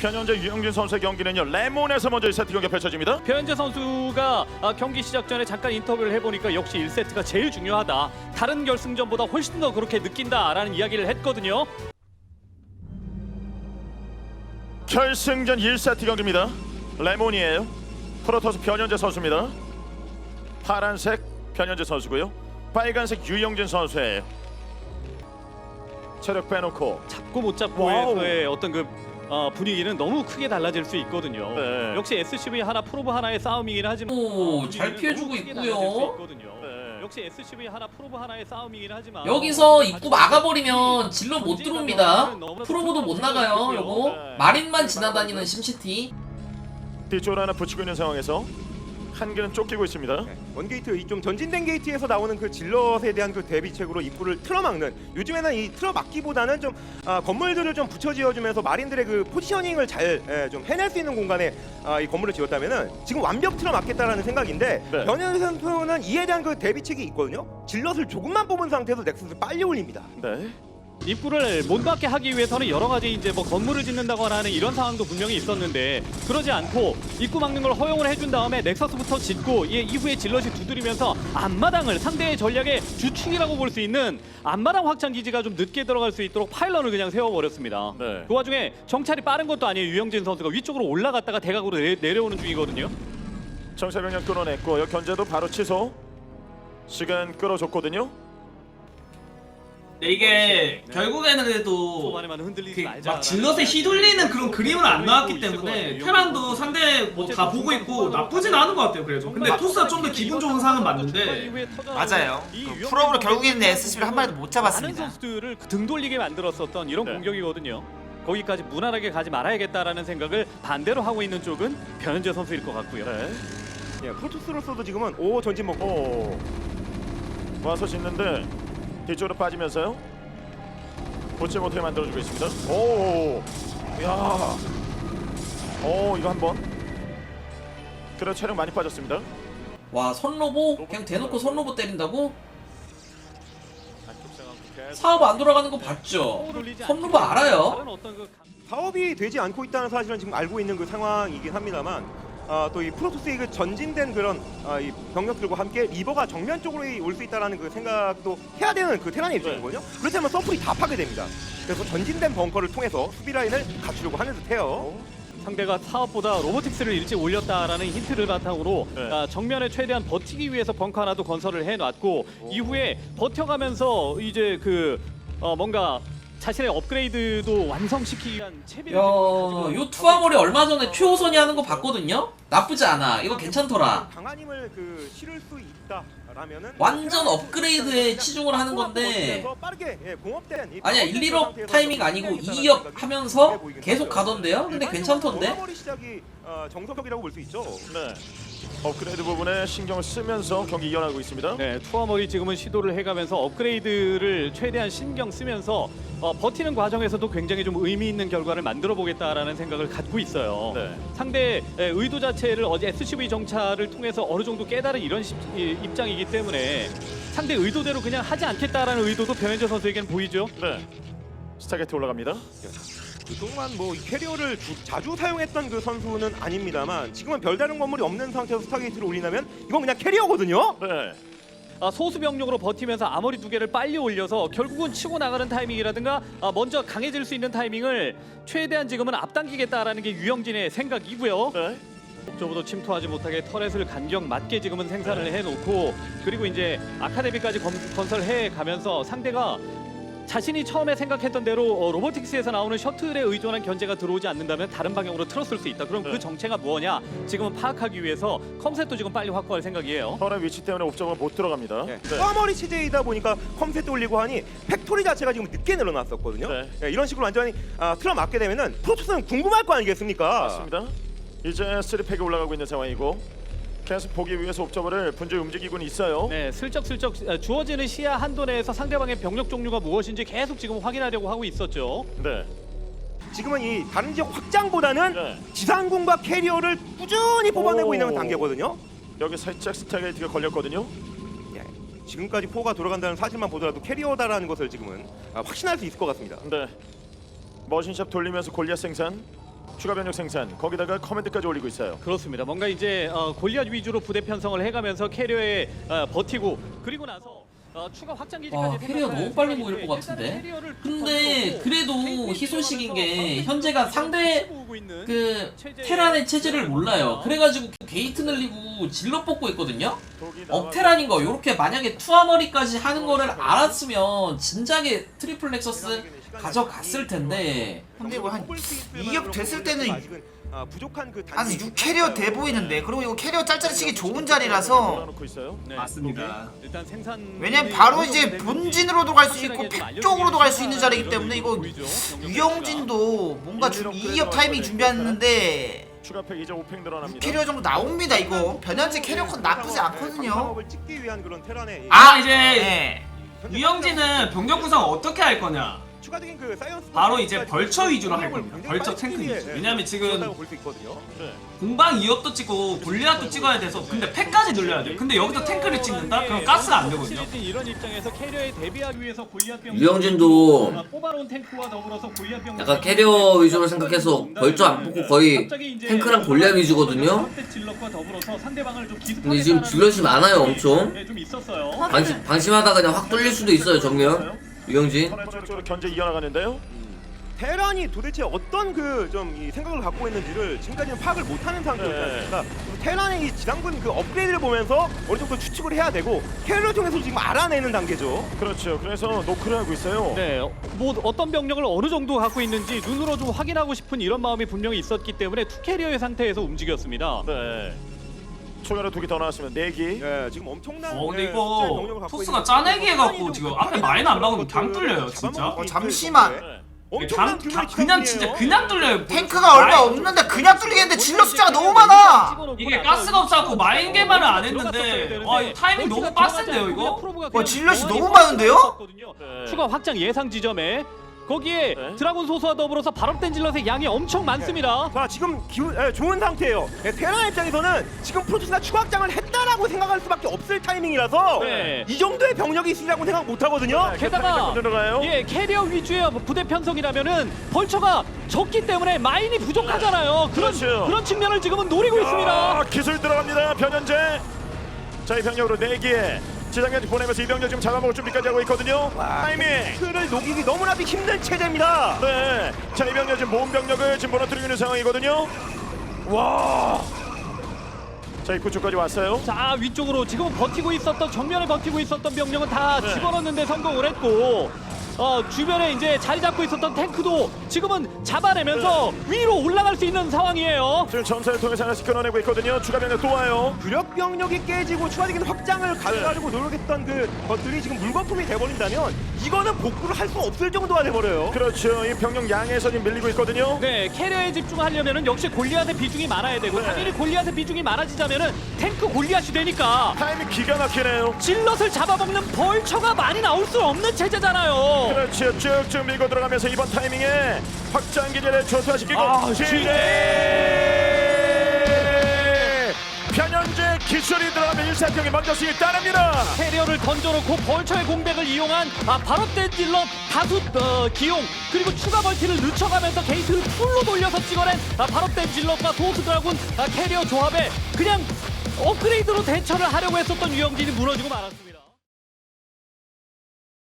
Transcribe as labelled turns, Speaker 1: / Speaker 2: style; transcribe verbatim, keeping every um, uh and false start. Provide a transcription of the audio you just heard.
Speaker 1: 현재 유영진 선수의 경기는요 레몬에서 먼저 일 세트 경기가 펼쳐집니다.
Speaker 2: 변현재 선수가 아, 경기 시작 전에 잠깐 인터뷰를 해보니까 역시 일 세트가 제일 중요하다. 다른 결승전보다 훨씬 더 그렇게 느낀다라는 이야기를 했거든요.
Speaker 1: 결승전 일 세트 경기입니다. 레몬이에요. 프로토스 변현재 선수입니다. 파란색 변현재 선수고요. 빨간색 유영진 선수예요. 체력 빼놓고
Speaker 2: 잡고 못
Speaker 1: 와우.
Speaker 2: 잡고의 어떤 그 어, 분위기는 너무 크게 달라질 수 있거든요.
Speaker 1: 네.
Speaker 2: 역시 에스씨브이 하나 프로브 하나의 싸움이긴 하지만
Speaker 3: 오, 잘
Speaker 2: 분위기는
Speaker 3: 피해주고
Speaker 2: 너무 크게
Speaker 3: 있고요.
Speaker 2: 달라질 수 있거든요.
Speaker 1: 네.
Speaker 2: 역시 에스씨브이 하나 프로브 하나의 싸움이긴 하지만
Speaker 3: 여기서 입구 막아버리면 질러 못 들어옵니다. 프로보도 못 나가요. 요거 마린만 지나다니는 심시티.
Speaker 1: 뒤쪽으로 하나 붙이고 있는 상황에서 한 개는 쫓기고 있습니다.
Speaker 4: 원게이트 이 좀 전진된 게이트에서 나오는 그 질럿에 대한 그 대비책으로 입구를 틀어막는, 요즘에는 이 틀어막기보다는 좀 아, 건물들을 좀 붙여지어주면서 마린들의 그 포지셔닝을 잘 좀 해낼 수 있는 공간에 아, 이 건물을 지었다면은 지금 완벽 틀어막겠다라는 생각인데
Speaker 1: 네.
Speaker 4: 변현 선수는 이에 대한 그 대비책이 있거든요. 질럿을 조금만 뽑은 상태에서 넥서스를 빨리 올립니다.
Speaker 1: 네.
Speaker 2: 입구를 못 받게 하기 위해서는 여러 가지 이제 뭐 건물을 짓는다거나 하는 이런 상황도 분명히 있었는데 그러지 않고 입구 막는 걸 허용을 해준 다음에 넥서스부터 짓고 예, 이후에 질럿이 두드리면서 앞마당을 상대의 전략의 주축이라고 볼 수 있는 앞마당 확장 기지가 좀 늦게 들어갈 수 있도록 파일런을 그냥 세워버렸습니다.
Speaker 1: 네.
Speaker 2: 그 와중에 정찰이 빠른 것도 아니에요. 유영진 선수가 위쪽으로 올라갔다가 대각으로 내, 내려오는 중이거든요.
Speaker 1: 정세병력 끊어냈고 여기 견제도 바로 취소. 시간 끌어줬거든요.
Speaker 5: 근데 이게 결국에는 그래도
Speaker 2: 초반에만 흔들리지
Speaker 5: 그
Speaker 2: 말자.
Speaker 5: 막 질럿에 휘둘리는 그런 그림은 안 나왔기 때문에 테란도 상대 뭐 다 보고 있고 나쁘진 않은 것 같아요. 그래도 근데 토스가 좀 더 기분 좋은 상은 맞는데
Speaker 6: 맞아요. 그 프로브로 결국에는 에스씨비를 한 마리도 못
Speaker 2: 많은
Speaker 6: 잡았습니다.
Speaker 2: 선수들을 등 돌리게 만들었었던 이런
Speaker 1: 네.
Speaker 2: 공격이거든요. 거기까지 무난하게 가지 말아야겠다라는 생각을 반대로 하고 있는 쪽은 변현재 선수일 것 같고요.
Speaker 1: 네.
Speaker 4: 예, 프로토스로서도 지금은 오 전진 먹고
Speaker 1: 오. 와서 짓는데 뒤쪽으로 빠지면서요. 보지 못하게 만들어주고 있습니다. 오. 야. 오 이거 한번. 그래 체력 많이 빠졌습니다.
Speaker 3: 와, 선로보 그냥 대놓고 선로보 때린다고? 사업 안 돌아가는 거 봤죠? 선로보 알아요?
Speaker 2: 다른 어떤 그
Speaker 4: 사업이 되지 않고 있다는 사실은 지금 알고 있는 그 상황이긴 합니다만, 아, 또 이 프로토스의 그 전진된 그런 아, 이 병력들과 함께 리버가 정면 쪽으로 올 수 있다라는 그 생각도 해야 되는 그 테란의 입장이거든요. 그렇다면 서플이 다 파괴됩니다. 그래서 전진된 벙커를 통해서 수비 라인을 갖추려고 하는 듯해요.
Speaker 2: 상대가 사업보다 로보틱스를 일찍 올렸다라는 힌트를 바탕으로
Speaker 1: 네.
Speaker 2: 아, 정면에 최대한 버티기 위해서 벙커 하나도 건설을 해놨고 이후에 버텨가면서 이제 그 어, 뭔가 자신의 업그레이드도 완성시키기 위한 채비를
Speaker 3: 야,
Speaker 2: 지금
Speaker 3: 요 투하몰이 얼마 전에 최호선이 하는 거 봤거든요? 나쁘지 않아. 이거 괜찮더라.
Speaker 4: 강한 힘을 그 실을 수 있다라면은
Speaker 3: 완전 업그레이드에 치중을 하는 건데
Speaker 4: 빠르게 예, 공업된 이
Speaker 3: 아니야 일, 일업 타이밍 아니고 이 업 하면서 계속 가던데요? 근데 괜찮던데?
Speaker 4: 머리 시작이 어, 정석적이라고 볼 수 있죠.
Speaker 1: 네. 업그레이드 부분에 신경을 쓰면서 경기 이어나가고 있습니다.
Speaker 2: 네, 투어머리 지금은 시도를 해가면서 업그레이드를 최대한 신경 쓰면서 어, 버티는 과정에서도 굉장히 좀 의미 있는 결과를 만들어 보겠다라는 생각을 갖고 있어요.
Speaker 1: 네.
Speaker 2: 상대의 의도 자체를 어제 에스씨브이 정찰을 통해서 어느 정도 깨달은 이런 시, 이, 입장이기 때문에 상대 의도대로 그냥 하지 않겠다라는 의도도 변현재 선수에게는 보이죠.
Speaker 1: 네. 스타게트 올라갑니다.
Speaker 4: 그동안 뭐이 캐리어를 주, 자주 사용했던 그 선수는 아닙니다만 지금은 별다른 건물이 없는 상태에서 스타게이트를 올리려면 이건 그냥 캐리어거든요.
Speaker 1: 네.
Speaker 2: 아, 소수 병력으로 버티면서 아머리 두 개를 빨리 올려서 결국은 치고 나가는 타이밍이라든가 아, 먼저 강해질 수 있는 타이밍을 최대한 지금은 앞당기겠다라는 게 유영진의 생각이고요.
Speaker 1: 네.
Speaker 2: 목적으로 침투하지 못하게 터렛을 간격 맞게 지금은 생산을 해놓고 그리고 이제 아카데미까지 검, 건설해 가면서 상대가 자신이 처음에 생각했던 대로 어, 로보틱스에서 나오는 셔틀에 의존한 견제가 들어오지 않는다면 다른 방향으로 틀었을 수 있다. 그럼
Speaker 1: 네.
Speaker 2: 그 정체가 뭐냐? 지금은 파악하기 위해서 컴셋도 지금 빨리 확보할 생각이에요.
Speaker 1: 털의 위치 때문에 옵저버가 못 들어갑니다.
Speaker 4: 네.
Speaker 1: 네.
Speaker 4: 꽈머리 치제이다 보니까 컴셋 올리고 하니 팩토리 자체가 지금 늦게 늘어났었거든요.
Speaker 1: 네.
Speaker 4: 네, 이런 식으로 완전히 아, 틀어막게 되면은 프로토스는 궁금할 거 아니겠습니까?
Speaker 1: 맞습니다. 이제 쓰리 팩이 올라가고 있는 상황이고 계속 보기 위해서 옵저버를 분주히 움직이고는 있어요.
Speaker 2: 네, 슬쩍슬쩍 어, 주어지는 시야 한도 내에서 상대방의 병력 종류가 무엇인지 계속 지금 확인하려고 하고 있었죠.
Speaker 1: 네.
Speaker 4: 지금은 이 다른 지역 확장보다는
Speaker 1: 네.
Speaker 4: 지상군과 캐리어를 꾸준히 뽑아내고
Speaker 1: 오.
Speaker 4: 있는 단계거든요.
Speaker 1: 여기 살짝 스타게이트가 걸렸거든요.
Speaker 4: 예, 지금까지 포가 돌아간다는 사실만 보더라도 캐리어다라는 것을 지금은 아, 확신할 수 있을 것 같습니다.
Speaker 1: 네. 머신샵 돌리면서 골리앗 생산. 추가 변력 생산 거기다가 커맨드까지 올리고 있어요.
Speaker 2: 그렇습니다. 뭔가 이제 어, 골리앗 위주로 부대 편성을 해가면서 캐리어에 어, 버티고 그리고 나서 어, 추가 확장 기지까지
Speaker 3: 와 캐리어 너무 빨리 모일 것 같은데. 근데 그래도 희소식인 게 현재가 상대 그 테란의 체제를 몰라요. 그래가지고 게이트 늘리고 질러 뽑고 있거든요. 업테란인 거 요렇게 만약에 투하머리까지 하는 거를 알았으면 진작에 트리플 넥서스 가져갔을 텐데.
Speaker 6: 근데 뭐 한 이 업 됐을 때는
Speaker 4: 아, 부족한 그
Speaker 6: 한
Speaker 4: 단지-
Speaker 6: 육 캐리어 돼 보이는데, 그리고 이거 캐리어 짤짤이 치기 좋은 자리라서
Speaker 1: 놓고 있어요.
Speaker 2: 네,
Speaker 5: 맞습니다.
Speaker 2: 일단 생산
Speaker 6: 왜냐면 바로 이제 본진으로도 갈 수 있고 팩 쪽으로도 갈 수 있는 자리이기 때문에 이거 유영진도 뭔가 이 업 타이밍 준비했는데
Speaker 1: 추가 팩 이제 오 팩
Speaker 6: 육
Speaker 1: 늘어납니다.
Speaker 6: 캐리어 정도 나옵니다. 이거 변현재 캐리어 컷 나쁘지 않거든요.
Speaker 4: 상업을 찍기 위한 그런 테란의
Speaker 5: 아 이제
Speaker 6: 네.
Speaker 5: 유영진은 병력 구성 어떻게 할 거냐?
Speaker 4: 추가적인 그 사이언스
Speaker 5: 바로 이제 벌처 위주로 할 겁니다. 벌처 탱크 위주. 왜냐면 지금
Speaker 4: 볼수 있거든요.
Speaker 1: 네.
Speaker 5: 공방 이 업도 찍고 골리앗도 찍어야 돼서 근데 팩까지 늘려야 돼. 근데 여기서 탱크를 찍는다? 그럼 가스가 안 되거든요.
Speaker 2: 이런 입장에서 캐리어에 대비하기 위해서 골리앗 병
Speaker 7: 유영진도
Speaker 2: 뽑아놓은 탱크와 더불어서 골리앗 병
Speaker 7: 약간 캐리어 위주로 생각해서 벌써 안 뽑고 거의 탱크랑 골리앗 위주거든요. 근데 지금 질럿이 많아요, 엄청.
Speaker 2: 좀 있었어요.
Speaker 7: 방심, 방심하다가 그냥 확 뚫릴 수도 있어요, 정면. 유영진.
Speaker 1: 쪽으로 견제 이어나가는데요.
Speaker 4: 테란이 도대체 어떤 그 좀 이 생각을 갖고 있는지를 지금까지는 파악을 못하는 상태였지
Speaker 1: 네.
Speaker 4: 않습니까? 테란의 이 지상군 그 업그레이드를 보면서 어느 정도 추측을 해야 되고 캐리어를 통해서 지금 알아내는 단계죠.
Speaker 1: 그렇죠. 그래서 노크를 하고 있어요.
Speaker 2: 네, 뭐 어떤 병력을 어느 정도 갖고 있는지 눈으로 좀 확인하고 싶은 이런 마음이 분명히 있었기 때문에 투 캐리어의 상태에서 움직였습니다.
Speaker 1: 네. 초연을 두 개 더 나왔으면 네 기.
Speaker 4: 예, 지금 엄청난
Speaker 5: 어 근데
Speaker 4: 예, 숫자의 병력을
Speaker 5: 이거
Speaker 4: 갖고
Speaker 5: 토스가
Speaker 4: 있는
Speaker 5: 짜내기 해갖고
Speaker 4: 테란이
Speaker 5: 지금
Speaker 4: 좀
Speaker 5: 앞에 마인 안 막으면
Speaker 4: 것들을
Speaker 5: 강 뚫려요 진짜.
Speaker 4: 잡아먹을
Speaker 6: 어,
Speaker 4: 수
Speaker 6: 잠시만.
Speaker 4: 있을
Speaker 1: 네.
Speaker 4: 엄청난
Speaker 5: 강,
Speaker 4: 규모의
Speaker 5: 강, 그냥
Speaker 4: 지상군이에요.
Speaker 5: 진짜 그냥 뚫려요.
Speaker 6: 탱크가 얼마 없는데 그냥 뚫리겠는데 질럿 숫자가 너무 많아.
Speaker 5: 이게 가스가 없어갖고 마인 개발을 안 했는데 아 이거 타이밍 너무 빡센데요 이거?
Speaker 6: 와, 질럿이 너무 많은데요?
Speaker 1: 네.
Speaker 2: 추가 확장 예상 지점에 거기에
Speaker 1: 네.
Speaker 2: 드라군 소수와 더불어서 발업된 질럿의 양이 엄청 많습니다.
Speaker 4: 자 지금 기운 예, 좋은 상태예요. 예, 테란 입장에서는 지금 프로토스가 추가 확장을 했다라고 생각할 수밖에 없을 타이밍이라서
Speaker 2: 네.
Speaker 4: 이 정도의 병력이 있으라고 생각 못 하거든요.
Speaker 2: 게다가
Speaker 1: 들어가요.
Speaker 2: 예 캐리어 위주의 부대 편성이라면은 벌처가 적기 때문에 마인이 부족하잖아요. 그런
Speaker 1: 그렇죠.
Speaker 2: 그런 측면을 지금은 노리고 있습니다.
Speaker 1: 아, 기술 들어갑니다. 변현재. 자, 이 병력으로 네 개. 지상까지 보내면서 이 병력 지금 잡아먹을 준비까지 하고 있거든요. 타이밍.
Speaker 4: 그를 녹이기 너무나도 힘든 체제입니다.
Speaker 1: 네. 자, 이 병력 지금 모은 병력을 지금 무너뜨리고 있는 상황이거든요. 와. 자, 입구 쪽까지 왔어요.
Speaker 2: 자 위쪽으로 지금 버티고 있었던 정면에 버티고 있었던 병력은 다
Speaker 1: 네.
Speaker 2: 집어넣는데 성공을 했고 어 주변에 이제 자리 잡고 있었던 탱크도 지금은 잡아내면서
Speaker 1: 네.
Speaker 2: 위로 올라갈 수 있는 상황이에요.
Speaker 1: 지금 점사를 통해서 하나씩 끊어내고 있거든요. 추가 병력 또 와요.
Speaker 4: 주력 병력이 깨지고 추가적인 확장을 가져가지고 노력했던 그 것들이 지금 물거품이 돼버린다면 이거는 복구를 할 수 없을 정도가 돼버려요.
Speaker 1: 그렇죠. 이 병력 양에서 지금 밀리고 있거든요.
Speaker 2: 네 캐리어에 집중하려면은 역시 골리앗의 비중이 많아야 되고
Speaker 1: 네.
Speaker 2: 당연히 골리앗의 비중이 많아지자면은 탱크 골리앗이 되니까
Speaker 1: 타이밍 기가 막히네요.
Speaker 2: 질럿을 잡아먹는 벌처가 많이 나올 수 없는 체제잖아요.
Speaker 1: 그렇죠. 쭉쭉 밀고 들어가면서 이번 타이밍에 확장 기제를 조사시키고
Speaker 2: 아,
Speaker 1: 지뢰 변현재 기술이 들어가면 일사병이 먼저 수익 따냅니다.
Speaker 2: 캐리어를 던져놓고 벌처의 공백을 이용한 아, 발업된 질럿 다수 어, 기용 그리고 추가 멀티를 늦춰가면서 게이트를 풀로 돌려서 찍어낸 아, 발업된 질럿과 소수 드라군 아, 캐리어 조합에 그냥 업그레이드로 대처를 하려고 했었던 유영진이 무너지고 말았습니다.